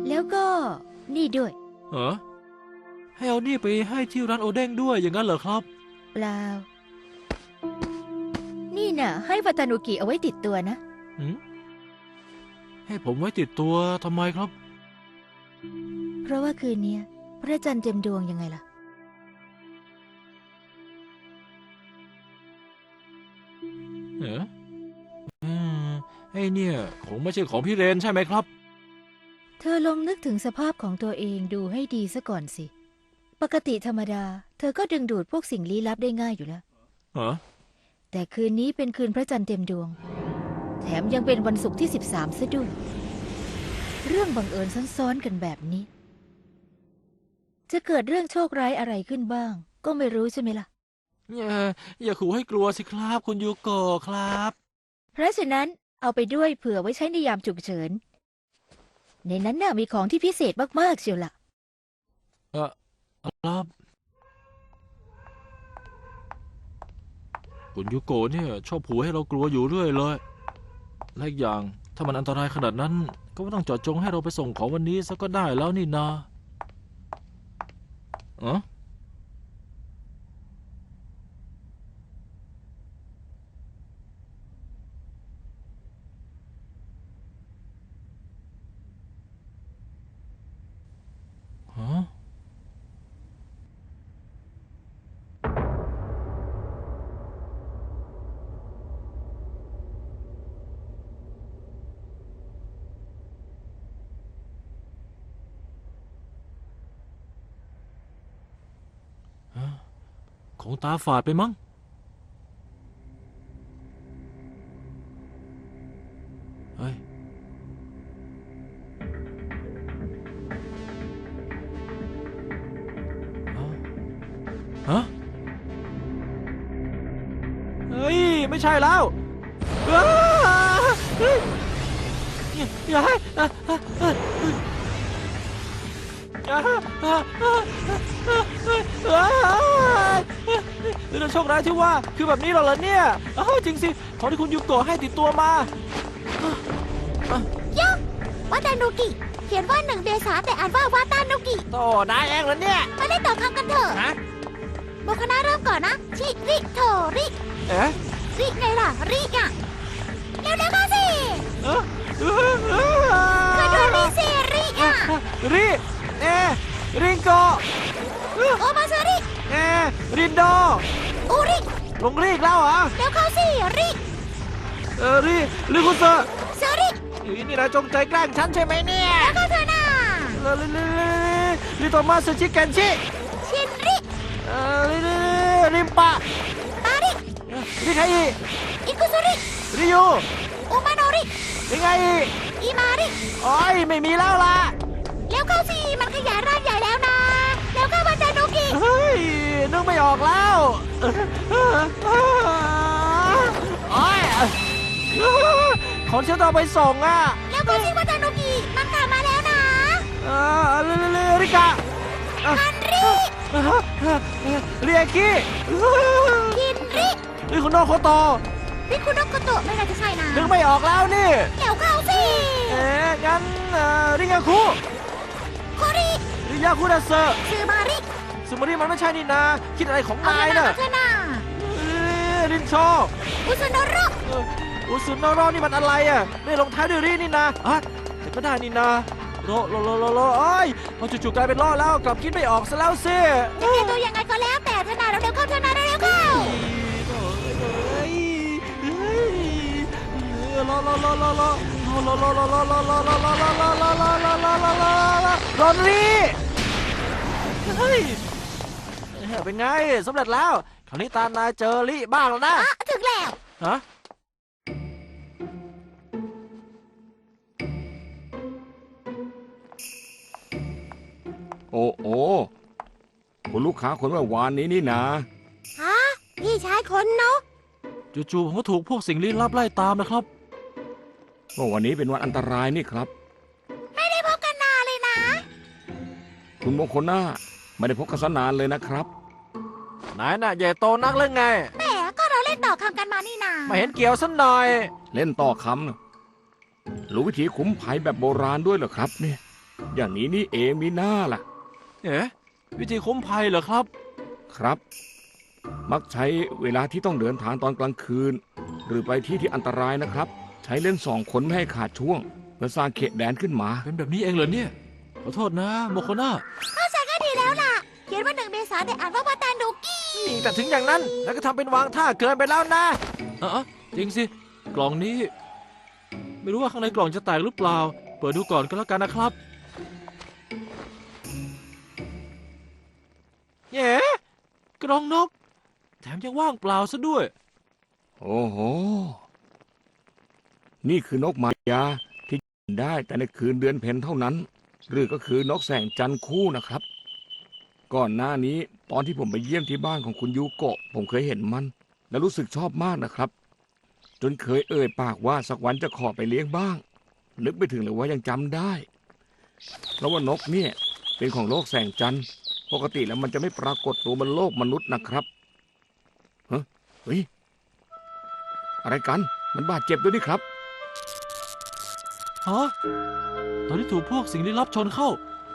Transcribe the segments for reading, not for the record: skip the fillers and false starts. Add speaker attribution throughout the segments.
Speaker 1: แล้วก็นี่ด้วย
Speaker 2: เหรอให้เอานี่ไปให้ที่ร้านโอเด้งด้วยอย่างนั้นเหรอครับ
Speaker 1: เปล่า นี่น่ะ ให้วาตานุกิเอาไว้ติดตัวนะ
Speaker 2: หืมให้ผมไว้ติดตัวทำไมครับ
Speaker 1: เพราะว่าคืนนี้พระจันทร์เต็มดวงยังไงล่ะ
Speaker 2: เออไอ้เนี่ยคงไม่ใช่ของพี่เรนใช่ไหมครับ
Speaker 1: เธอลองนึกถึงสภาพของตัวเองดูให้ดีซะก่อนสิ ปกติธรรมดา เธอก็ดึงดูดพวกสิ่งลี้ลับได้ง่ายอยู่แล้ว
Speaker 2: ฮะ
Speaker 1: แต่คืนนี้เป็นคืนพระจันทร์เต็มดวง แถมยังเป็นวันศุกร์ที่13ซะด้วย เรื่องบังเอิญซ้อนๆกันแบบนี้ จะเกิดเรื่องโชคร้ายอะไรขึ้นบ้าง ก็ไม่รู้ใช่ไหมล่ะ
Speaker 2: อย่าขู่ให้กลัวสิครับคุณยูโกะครับ
Speaker 1: เพราะฉะนั้นเอาไปด้วยเผื่อไว้ใช้ในยามฉุกเฉิน ในนั้นน่ะมีของที่พิเศษมากๆเชียวล่ะ
Speaker 2: ครับคุณยูโกะเนี่ยชอบขู่ให้เรากลัวอยู่เรื่อยเลยและอีกอย่างถ้ามันอันตรายขนาดนั้น ก็ไม่ต้องเจาะจงให้เราไปส่งของวันนี้ซะก็ได้แล้วนี่นาอ๋อฮะคงตาฝาดไปมั้งเฮ้ยฮะเฮ้ยไม่ใช่แล้วอ้าเฮ้ยอย่าให้เรื่องโชคร้ายที่ว่าคือแบบนี้เหรอเนี่ยจริงสิของที่คุณยูโกะให้ติดตัวมา
Speaker 3: วาตานุกิเขียนว่า1 เมษาแต่อ่านว่าวาตานุกิ
Speaker 2: โตนายเองเหรอเนี่ย
Speaker 3: มาเล่นต่อคำกันเถอะ
Speaker 2: ฮะ
Speaker 3: โมคณะเริ่มก่อนนะ ชิริโทริ
Speaker 2: เอ๊ะ
Speaker 3: ริไงล่ะ ริอ่ะเร็วๆเข้าสิ
Speaker 2: เอ๊ะ
Speaker 3: มาดูริสิริอ่ะ
Speaker 2: ริเอริงโก
Speaker 3: โอมาซาริ
Speaker 2: เอรินโด
Speaker 3: อูริ
Speaker 2: ลงรีกแล้วเหรอ
Speaker 3: เร็วเข้าสิริ
Speaker 2: ริคุเซอร์
Speaker 3: ซาริ
Speaker 2: นี่นายจงใจแกล้งฉันใช่ไหมเนี่ย
Speaker 3: แล้วก็เธอน่ะ
Speaker 2: ริโตมาสชิเกนชิ
Speaker 3: ชินริ
Speaker 2: ริมปะ
Speaker 3: ปาริ
Speaker 2: ริไคอิ
Speaker 3: อิคุซุริ
Speaker 2: ริยู
Speaker 3: อุมาโนริ
Speaker 2: ริไงอิ
Speaker 3: อิมาริ
Speaker 2: โอ้ยไม่มีแล้วล่ะ
Speaker 3: เร็วเข้าสิมันขยายร่างใหญ่แล้วนะเร็วเข้าวาตานุกิ
Speaker 2: เฮ้ยนึกไม่ออกแล้วโอ้ยของฉันต้องเอาไปส่งอ่ะ
Speaker 3: เร็วเข้าสิวาตานุกิมันกลับมาแล้วนะ
Speaker 2: ริกะ
Speaker 3: ฮันริ
Speaker 2: เรียกิ
Speaker 3: คินริ
Speaker 2: ริคุโนโคโต
Speaker 3: ริคุโนโกโตะไม่น่าจะใช่นะ
Speaker 2: นึกไม่ออกแล้วนี่
Speaker 3: เร็วเข้าสิ
Speaker 2: งั้นริงาคุ
Speaker 3: โคริ
Speaker 2: ริยาคุดัสเซอร์
Speaker 3: ซือมาริ
Speaker 2: สมุริมันไม่ใช่นี่นา คิดอะไรของ
Speaker 3: เอา
Speaker 2: นาย
Speaker 3: เธอ
Speaker 2: น่ะ
Speaker 3: เธอน่ะ
Speaker 2: รินโช
Speaker 3: อุซุโนโร
Speaker 2: อุสุนอรอนี่มันอะไรอ่ะไม่ลงท้ายด้วยรีนี่นาแต่ก็ได้นี่นาโรเอ้ยพอจู่ๆกลายเป็นล้อแล้วกลับคิดไม่ออกซะแล้วสิ
Speaker 3: จะแก้ตัวยังไงก็แล้วแต่เธอน่ะเร็วๆเข้าเธอน่ะเร็วๆเข้า
Speaker 2: รอนลี่เฮ้ยเป็นไงสำเร็จแล้วคราวนี้ตามนายเจอลี่บ้างแล้วนะ
Speaker 3: ถึงแล้ว
Speaker 2: ฮะ
Speaker 4: โอ้โอ้คุณลูกค้าคนเมื่อวานนี้นี่นะ
Speaker 3: ฮะพี่ชายคนเนาะ
Speaker 2: จู่ๆผมก็ถูกพวกสิ่งลี้ลับไล่ตามนะครับ
Speaker 4: ว่าวันนี้เป็นวันอันตรายนี่ครับ
Speaker 3: ไม่ได้พบกันนานเลยนะ
Speaker 4: คุณมงคลหน้าไม่ได้พบกันสนานเลยนะครับ
Speaker 2: นายน่ะใหญ่โตนักเรื่องไง
Speaker 3: แหมก็เราเล่นต่อคำกันมานี่นา
Speaker 2: ไม่เห็นเกี่ยวสักหน่อย
Speaker 4: เล่นต่อคำนะรู้วิธีขุมภัยแบบโบราณด้วยเหรอครับเนี่ยอย่างนี้นี่เองมีหน้าล่ะ
Speaker 2: เอ๊ะวิธีคุ้มภัยเหรอครับ
Speaker 4: ครับ มักใช้เวลาที่ต้องเดินทางตอนกลางคืน หรือไปที่ที่อันตรายนะครับ ใช้เล่น2 คนไม่ให้ขาดช่วงเพื่อสร้างเขตแดนขึ้นมา
Speaker 2: เป็นแบบนี้เองเหรอเนี่ย ขอโทษนะโมโคน่า
Speaker 3: เข้าใจก็ดีแล้วล่ะ เขียนว่า1 เมษาแต่อ่านว่าวาตานุกิ
Speaker 2: นี่แต่ถึงอย่างนั้นแล้วก็ทำเป็นวางท่าเกินไปแล้วนะจริงสิ กล่องนี้ ไม่รู้ว่าข้างในกล่องจะแตกหรือเปล่า เปิดดูก่อนก็แล้วกันนะครับเย้กล่องนก แถมยังว่างเปล่าซะด้วย
Speaker 4: โอ้โห นี่คือนกมายาที่บินได้แต่ในคืนเดือนเพ็ญเท่านั้น หรือก็คือนกแสงจันทร์คู่นะครับ ก่อนหน้านี้ตอนที่ผมไปเยี่ยมที่บ้านของคุณยูโกะผมเคยเห็นมัน และรู้สึกชอบมากนะครับ จนเคยเอ่ยปากว่าสักวันจะขอไปเลี้ยงบ้าง นึกไปถึงเลยว่ายังจำได้ เพราะว่านกเนี่ยเป็นของโลกแสงจันทร์ปกติแล้วมันจะไม่ปรากฏตัวบนโลกมนุษย์นะครับเฮ้ยอะไรกันมันบาดเจ็บด้วยนี่ครับ
Speaker 2: ฮะ ตอนที่ถูกพวกสิ่งลี้ลับชนเข้า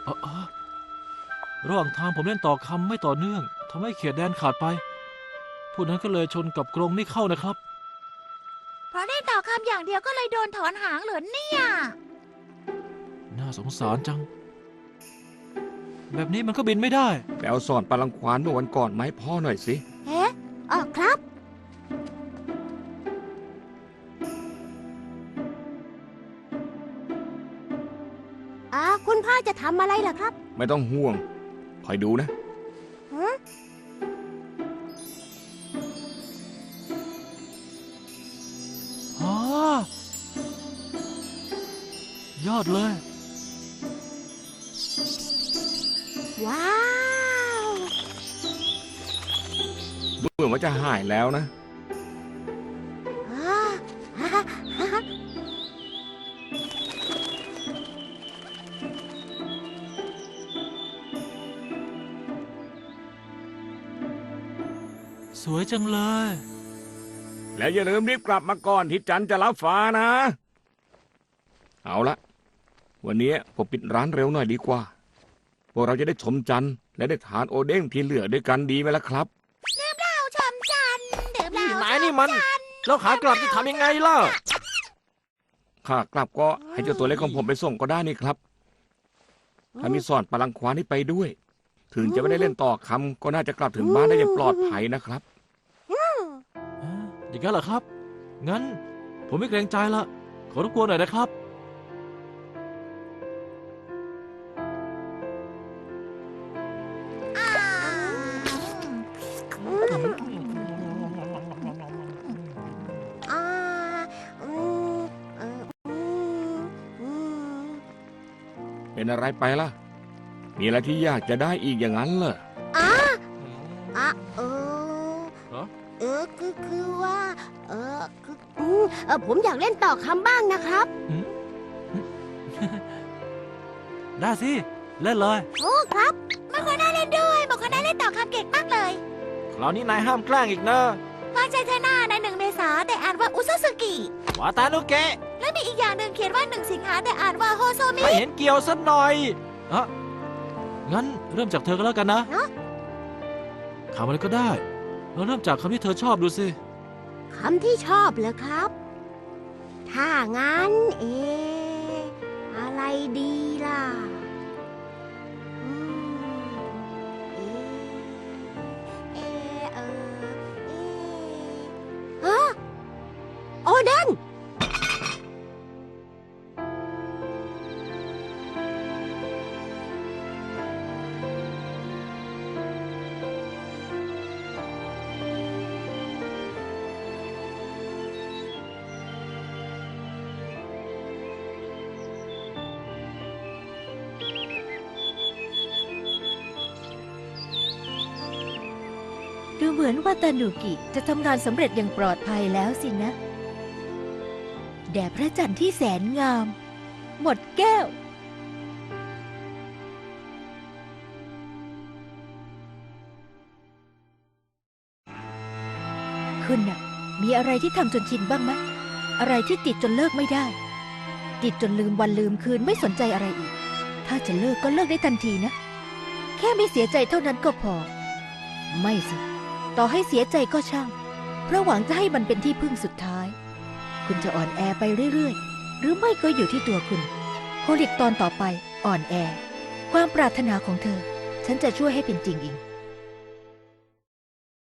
Speaker 2: ระหว่างทางผมเล่นต่อคำไม่ต่อเนื่องทำให้เขตแดนขาดไปพวกนั้นก็เลยชนกับกรงนี่เข้านะครับ
Speaker 3: เพราะได้ต่อคำอย่างเดียวก็เลยโดนถอนหางเหรอเนี่ย
Speaker 2: น่าสงสารจัง แบบนี้มันก็บินไม่ได้
Speaker 4: แปลสอนปลาลังควานเมื่อวันก่อนไหมาให้พ่อหน่อยสิ
Speaker 3: เอ๊ะครับ คุณพ่อจะทำอะไรล่ะครับ
Speaker 4: ไม่ต้องห่วงคอยดูนะ
Speaker 2: อ๋อ ยอดเลย
Speaker 3: ว้าว
Speaker 4: ดูเหมือนว่าจะหายแล้วนะ
Speaker 3: อ่าฮ่าฮ่าฮ่า
Speaker 2: สวยจังเลย
Speaker 4: แล้วอย่าลืมรีบกลับมาก่อนที่จันจะรับฟ้านะ เอาละวันนี้ผมปิดร้านเร็วหน่อยดีกว่าพวกเราจะได้ชมจันทร์และได้ทานโอเด้งที่เหลือด้วยกันดีไหมล่ะครับ
Speaker 3: เราชมจันทร์ดื่มเหล้า
Speaker 2: ไหนนี่มัน แล้วขากลับจะทำยังไงล่ะ
Speaker 4: ข้ากลับก็ให้เจ้าตัวเล็กของผมไปส่งก็ได้นี่ครับ ถ้ามีสอนปลาลังควานนี่ไปด้วย ถึงจะไม่ได้เล่นต่อคำก็น่าจะกลับถึงบ้านได้อย่างปลอดภัยนะครับ
Speaker 2: อย่างนั้นเหรอครับ งั้น ผมไม่เกรงใจละ ขอรบกวนหน่อยนะครับ
Speaker 3: อ่าอ่าอืมอืม
Speaker 4: เป็นอะไรไปล่ะ มีอะไรที่อยากจะได้อีกอย่างนั้นเหรอ
Speaker 3: อ่าอ่ะ
Speaker 2: ฮะ
Speaker 3: คือว่าผมอยากเล่นต่อคำบ้างนะครับ
Speaker 2: ได้สิ เล่นเลย
Speaker 3: โอ้ครับมาคนน่าเล่นด้วยบอกคนน่าเล่นต่อคำเก่งมากเลย
Speaker 2: คราวนี้นายห้ามแกล้งอีกนะ
Speaker 3: วางใจเธอหน้าใน1 เมษาแต่อ่านว่าอุซาสึกิ
Speaker 2: วาตานุเกะ
Speaker 3: และมีอีกอย่างหนึ่งเขียนว่า1 สิงหาแต่อ่านว่าโฮโซมิ
Speaker 2: ไม่เห็นเกี่ยวสักหน่อยงั้นเริ่มจากเธอก็แล้วกันนะ
Speaker 3: เนอะ
Speaker 2: คำอะไรก็ได้เราเริ่มจากคำที่เธอชอบดูสิ
Speaker 3: คำที่ชอบเหรอครับ ถ้างั้นอะไรดีล่ะอืมฮะโอเดน
Speaker 1: ดูเหมือนว่าตานุกิจะทำงานสำเร็จอย่างปลอดภัยแล้วสินะ แด่พระจันทร์ที่แสนงาม หมดแก้ว คุณน่ะ มีอะไรที่ทำจนชินบ้างไหมอะไรที่ติดจนเลิกไม่ได้ ติดจนลืมวันลืมคืนไม่สนใจอะไรอีกถ้าจะเลิกก็เลิกได้ทันทีนะ แค่ไม่เสียใจเท่านั้นก็พอ ไม่สิ ต่อให้เสียใจก็ช่าง เพราะหวังจะให้มันเป็นที่พึ่งสุดท้าย คุณจะอ่อนแอไปเรื่อยๆ หรือไม่ก็อยู่ที่ตัวคุณโคลิกตอนต่อไปอ่อนแอ ความปรารถนาของเธอ ฉันจะช่วยให้เป็นจริงเอง